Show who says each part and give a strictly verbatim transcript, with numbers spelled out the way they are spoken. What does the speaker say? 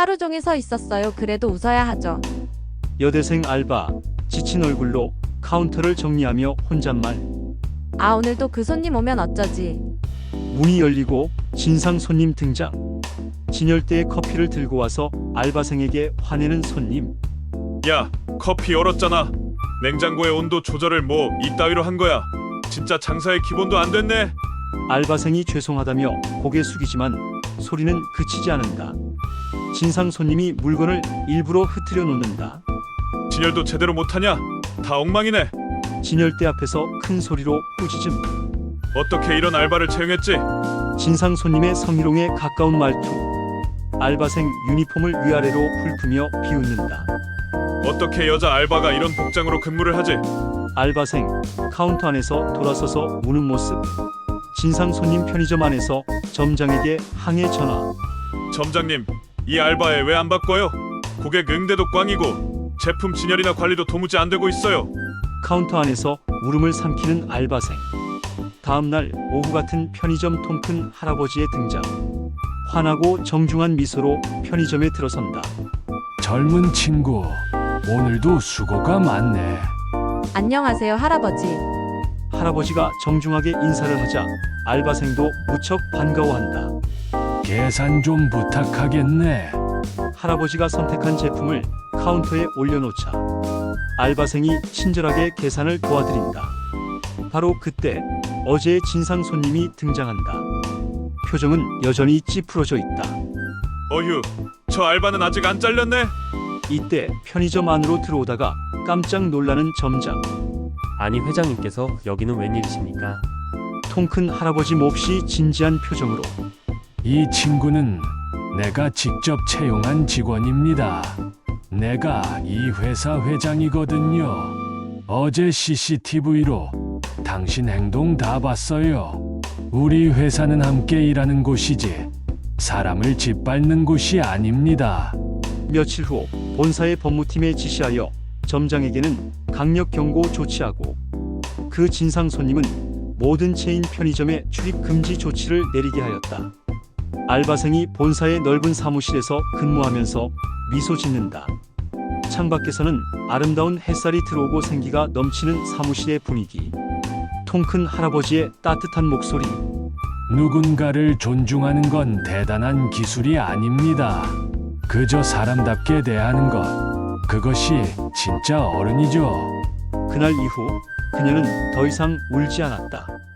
Speaker 1: 하루 종일 서 있었어요. 그래도 웃어야 하죠.
Speaker 2: 여대생 알바, 지친 얼굴로 카운터를 정리하며 혼잣말.
Speaker 1: 아, 오늘도 그 손님 오면 어쩌지?
Speaker 2: 문이 열리고 진상 손님 등장. 진열대에 커피를 들고 와서 알바생에게 화내는 손님.
Speaker 3: 야, 커피 얼었잖아. 냉장고의 온도 조절을 뭐 이따위로 한 거야. 진짜 장사의 기본도 안 됐네.
Speaker 2: 알바생이 죄송하다며 고개 숙이지만 소리는 그치지 않는다. 진상 손님이 물건을 일부러 흐트려 놓는다.
Speaker 3: 진열도 제대로 못하냐? 다 엉망이네.
Speaker 2: 진열대 앞에서 큰 소리로 꾸짖음.
Speaker 3: 어떻게 이런 알바를 채용했지?
Speaker 2: 진상 손님의 성희롱에 가까운 말투. 알바생 유니폼을 위아래로 훑으며 비웃는다.
Speaker 3: 어떻게 여자 알바가 이런 복장으로 근무를 하지?
Speaker 2: 알바생 카운터 안에서 돌아서서 우는 모습. 진상 손님 편의점 안에서 점장에게 항해 전화.
Speaker 3: 점장님, 이 알바에 왜 안 바꿔요? 고객 응대도 꽝이고 제품 진열이나 관리도 도무지 안 되고 있어요.
Speaker 2: 카운터 안에서 울음을 삼키는 알바생. 다음날 오후 같은 편의점 통큰 할아버지의 등장. 환하고 정중한 미소로 편의점에 들어선다.
Speaker 4: 젊은 친구, 오늘도 수고가 많네.
Speaker 1: 안녕하세요, 할아버지.
Speaker 2: 할아버지가 정중하게 인사를 하자 알바생도 무척 반가워한다.
Speaker 4: 계산 좀 부탁하겠네.
Speaker 2: 할아버지가 선택한 제품을 카운터에 올려놓자 알바생이 친절하게 계산을 도와드린다. 바로 그때 어제의 진상 손님이 등장한다. 표정은 여전히 찌푸러져 있다.
Speaker 3: 어휴, 저 알바는 아직 안 잘렸네.
Speaker 2: 이때 편의점 안으로 들어오다가 깜짝 놀라는 점장.
Speaker 5: 아니 회장님께서 여기는 웬일이십니까?
Speaker 2: 통큰 할아버지 몹시 진지한 표정으로.
Speaker 4: 이 친구는 내가 직접 채용한 직원입니다. 내가 이 회사 회장이거든요. 어제 씨씨티비로 당신 행동 다 봤어요. 우리 회사는 함께 일하는 곳이지 사람을 짓밟는 곳이 아닙니다.
Speaker 2: 며칠 후 본사의 법무팀에 지시하여 점장에게는 강력 경고 조치하고 그 진상 손님은 모든 체인 편의점에 출입 금지 조치를 내리게 하였다. 알바생이 본사의 넓은 사무실에서 근무하면서 미소 짓는다. 창밖에서는 아름다운 햇살이 들어오고 생기가 넘치는 사무실의 분위기. 통큰 할아버지의 따뜻한 목소리.
Speaker 4: 누군가를 존중하는 건 대단한 기술이 아닙니다. 그저 사람답게 대하는 것, 그것이 진짜 어른이죠.
Speaker 2: 그날 이후 그녀는 더 이상 울지 않았다.